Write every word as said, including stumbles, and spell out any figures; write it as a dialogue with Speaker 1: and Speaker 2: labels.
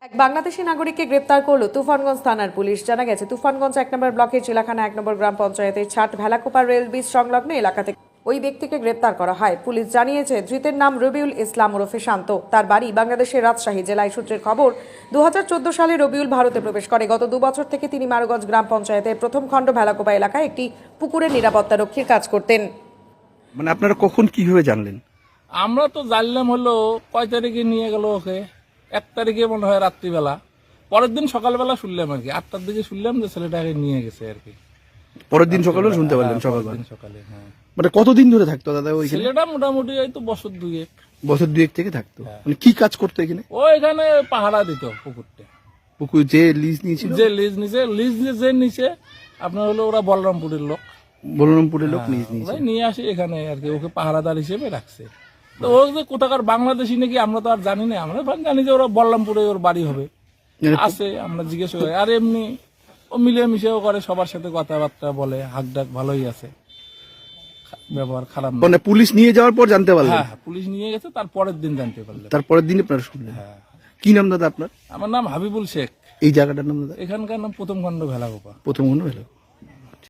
Speaker 1: এক বাংলাদেশি নাগরিককে গ্রেপ্তার করলো তুফানগঞ্জ থানার পুলিশ। জানা গেছে তুফানগঞ্জ এক নম্বর ব্লকের চিলাখানা এক নম্বর গ্রাম পঞ্চায়েতের ছাট ভেলাকোপা রেল ব্রিজ সংলগ্ন এলাকা থেকে ওই ব্যক্তিকে গ্রেপ্তার করা হয়। পুলিশ জানিয়েছে ধৃতের নাম রবিউল ইসলাম ওরফে শান্ত। তার বাড়ি বাংলাদেশের রাজশাহী জেলায়। সূত্রের খবর, দু হাজার চোদ্দ সালে রবিউল ভারতে প্রবেশ করে। গত দু বছর থেকে তিনি মারগঞ্জ গ্রাম পঞ্চায়েতের প্রথম খণ্ড ভেলাকোপা এলাকায় একটি পুকুরের নিরাপত্তা রক্ষীর কাজ করতেন।
Speaker 2: মানে আপনারা কখন কিভাবে জানলেন?
Speaker 3: আমরা তো জানলাম হলো কয় তারিখে নিয়ে গেল ওকে, এক তারিখে মনে হয় রাত্রিবেলা। পরের দিন সকালবেলা শুনলাম আর কি, আটটার দিকে শুনলাম যে ছেলেটাকে নিয়ে গেছে আর কি।
Speaker 2: পরের দিন সকালে শুনতে পারলেন? সকালবেলা
Speaker 3: সকালে, হ্যাঁ।
Speaker 2: মানে কতদিন ধরে থাকতো দাদা ওইখানে?
Speaker 3: ছেলেটা মোটামুটি এই তো বছর দুয়েক।
Speaker 2: বছর দুয়েক থেকে থাকতো। মানে কি কাজ করতো এখানে?
Speaker 3: ও এখানে পাহারা দিত পুকুরটা।
Speaker 2: পুকুর যে লিজ নিয়েছিল?
Speaker 3: যে লিজ নিচে লিজ যে নিচে আপনার হলো ওরা বলরামপুরের লোক,
Speaker 2: বলরামপুরের লোক লিজ নিয়েছে।
Speaker 3: ওরাই নিয়ে আসে এখানে আর কি, ওকে পাহারাদার হিসেবে রাখছে। তো ও যে কোথাকার বাংলাদেশি নাকি আমরা তো আর জানি না, আমরা জানি যে ওরা বলরামপুরে ওর বাড়ি হবে আছে। আমরা জিজ্ঞেস করি, আর এমনি ও মিলেমিশেও করে, সবার সাথে কথাবার্তা বলে, হাক ডাক ভালোই আছে, ব্যবহার খারাপ না।
Speaker 2: মানে পুলিশ নিয়ে যাওয়ার পর জানতে পারলেন?
Speaker 3: হ্যাঁ, পুলিশ নিয়ে গেছে, তার পরের দিন জানতে পারলেন।
Speaker 2: তারপরের দিন আপনারা শুনলেন?
Speaker 3: হ্যাঁ।
Speaker 2: কি নাম দাদা আপনার?
Speaker 3: আমার নাম হাবিবুল শেখ।
Speaker 2: এই জায়গাটার নাম দাদা?
Speaker 3: এখানকার নাম প্রথম খণ্ড ভেলাকোপা।
Speaker 2: প্রথম মনে হলো।